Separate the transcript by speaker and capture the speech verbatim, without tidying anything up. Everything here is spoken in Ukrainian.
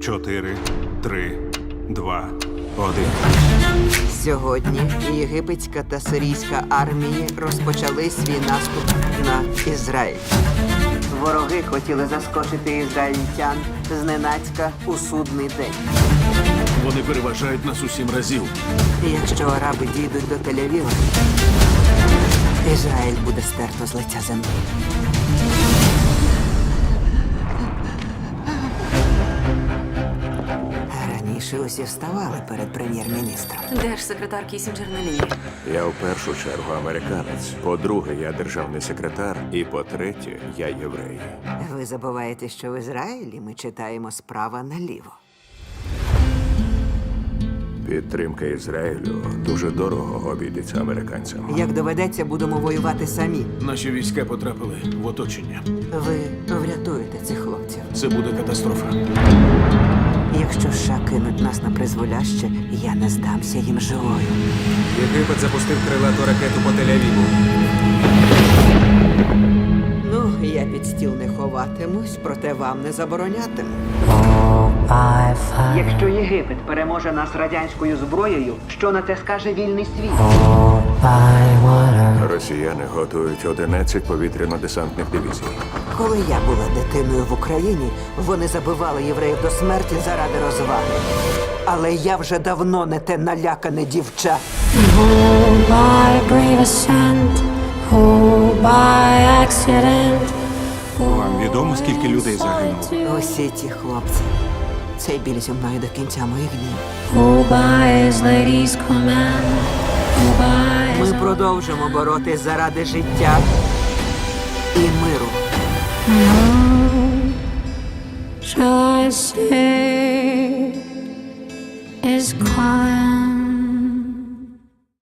Speaker 1: Чотири, три, два, один.
Speaker 2: Сьогодні єгипетська та сирійська армії розпочали свій наступ на Ізраїль. Вороги хотіли заскочити ізраїльтян зненацька у судний день.
Speaker 3: Вони переважають нас у сім разів.
Speaker 2: І якщо араби дійдуть до Тель-Авіва, Ізраїль буде стерто з лиця землі. Раніше усі вставали перед прем'єр-міністром.
Speaker 4: Держсекретар Кісінджер на лінії.
Speaker 5: Я в першу чергу американець. По-друге, я державний секретар. І по-третє, я єврей.
Speaker 2: Ви забуваєте, що в Ізраїлі ми читаємо справа наліво.
Speaker 5: Підтримка Ізраїлю дуже дорого обійдеться американцям.
Speaker 2: Як доведеться, будемо воювати самі.
Speaker 3: Наші війська потрапили в оточення.
Speaker 2: Ви врятуєте цих хлопців.
Speaker 3: Це буде катастрофа.
Speaker 2: Якщо США кинуть нас на призволяще, я не здамся їм живою.
Speaker 6: Єгипет запустив крилату ракету по Тель-Авіву.
Speaker 2: Ну, я під стіл не ховатимусь, проте вам не заборонятиму. Якщо Єгипет переможе нас радянською зброєю, що на це скаже вільний світ?
Speaker 5: Росіяни готують одинадцять повітряно-десантних дивізій.
Speaker 2: Коли я була дитиною в Україні, вони забивали євреїв до смерті заради розваги. Але я вже давно не те налякане дівча.
Speaker 7: Oh, by brave ascent, oh, by accident.
Speaker 1: Вам відомо, скільки людей загинуло?
Speaker 2: Усі ті хлопці. Цей біль зі мною до кінця моїх днів.
Speaker 7: Oh, by his lady's command, oh, by his
Speaker 2: Ми продовжимо боротись заради життя і миру.
Speaker 7: shall I say is calling.